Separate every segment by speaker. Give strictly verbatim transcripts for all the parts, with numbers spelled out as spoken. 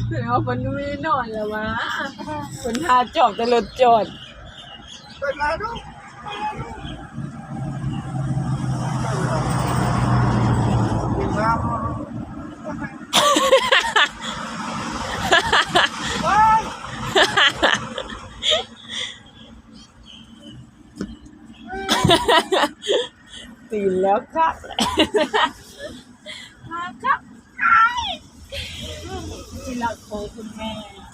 Speaker 1: แล้วมันไม่นอนแล้ววะคนทาจอบแต่รถจอด
Speaker 2: เป็นไรลูกกินน้ำ
Speaker 1: ตื่นแล้วครับมาครับที่รักของคุณแม่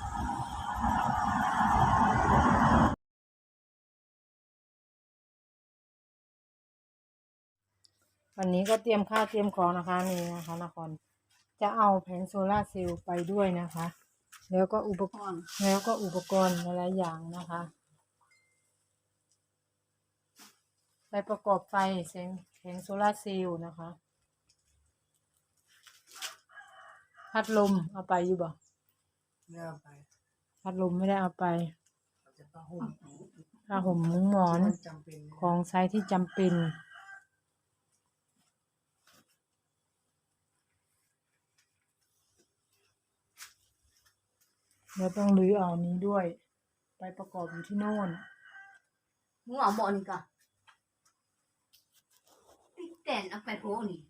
Speaker 1: วันนี้ก็เตรียมข้าวเตรียมของนะคะนี่นะคะนครจะเอาแผงโซล่าร์เซลล์ไปด้วยนะคะแล้วก็อุปกรณ์แล้วก็อุปกรณ์หลายๆอย่างนะคะไปประกอบไฟแสงแผงโซล่าร์เซลล์นะคะพัดลมเอาไปอยู่บ่
Speaker 2: เนี่ยไป
Speaker 1: พัดลมไม่ได้เอาไป
Speaker 2: จะผ้าห่ม
Speaker 1: ผ้าห่มมุ้งหมอนของใช้ที่จำเป็นแล้วต้องรื้อเอานี้ด้วยไปประกอบอยู่ที่โน่น
Speaker 3: มึงเอาหมอนี่กะแต่นเอาไปโพนี่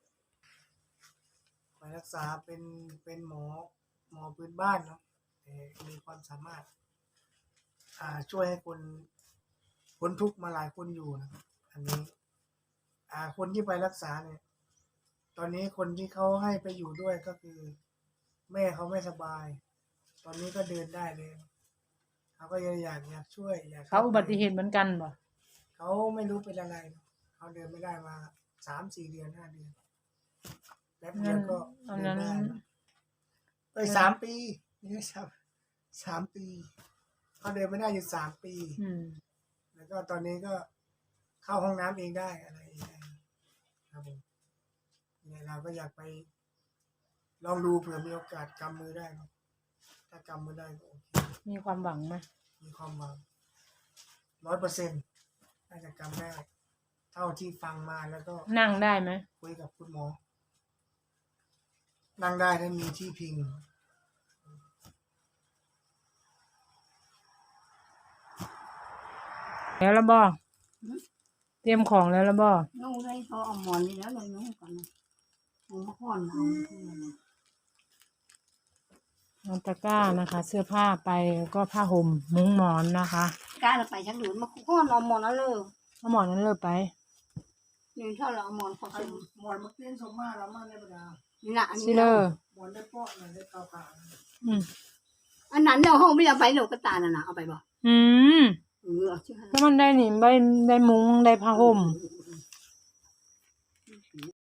Speaker 2: ไปรักษาเป็นเป็นหมอหมอพื้นบ้านเนาะแต่มีความสามารถอ่าช่วยให้คนพ้นทุกข์มาหลายคนอยู่นะครับอันนี้อ่าคนที่ไปรักษาเนี่ยตอนนี้คนที่เขาให้ไปอยู่ด้วยก็คือแม่เขาไม่สบายตอนนี้ก็เดินได้เลยเขาก็อยากอยากช่วยอยาก
Speaker 1: เขาอุบัติเหตุเหมือนกันบ่
Speaker 2: เขาไม่รู้เป็นอะไรเขาเดินไม่ได้มาสามสี่เดือนห้าเดือนแป๊บเดียวก็เดินได้ไปสามปีนี่ครับสามปีเขาเดินไม่ได้อยู่สามปีแล้วก็ตอนนี้ก็เข้าห้องน้ำเองได้อะไรเองครับผมเนี่ยเราก็อยากไปลองดูเผื่อมีโอกาสกำมือได้ถ้ากำมือได้ก็โอเค
Speaker 1: มีความหวังไหม
Speaker 2: มีความหวังร้อยเปอร์เซ็นต์น่าจะกำได้เท่าที่ฟังมาแล้วก็
Speaker 1: นั่งได้ไหม
Speaker 2: คุยกับคุณหมอนั่งได้ถ้ามีที่พิง
Speaker 1: แล้วละบ่เตรียมของแล้วละบ่
Speaker 3: น้องได้เขาเอาหมอนนี่แล้วเลยน้องก่อนนะน้องมาก่อนเอา
Speaker 1: เอาตะกร้านะคะเสื้อผ้าไปแล้วก็ผ้าห่มมุ้งหมอนนะคะ
Speaker 3: กล้าเราไปชักดูมาก่อนเอาหมอนนั่นเลย
Speaker 1: เอาหมอนนั้นเลยไป
Speaker 3: นี่ถ้าเราเอาหมอนเขาเสร็จ
Speaker 2: หมอนมาเตี้ยนสมมาแล้วมาในบรรดา
Speaker 3: นี่นะอันนี้
Speaker 2: หมอนได้เปาะหน่อยได้เกาขา
Speaker 1: อืม
Speaker 3: อันนั้นเราห้องไม่เอาไปหนูก็ตาน่ะนะเอาไปบ่
Speaker 1: อืม
Speaker 3: เออ
Speaker 1: แล้วมันได้หนิได้ได้มุ้งได้ผ้าห่ม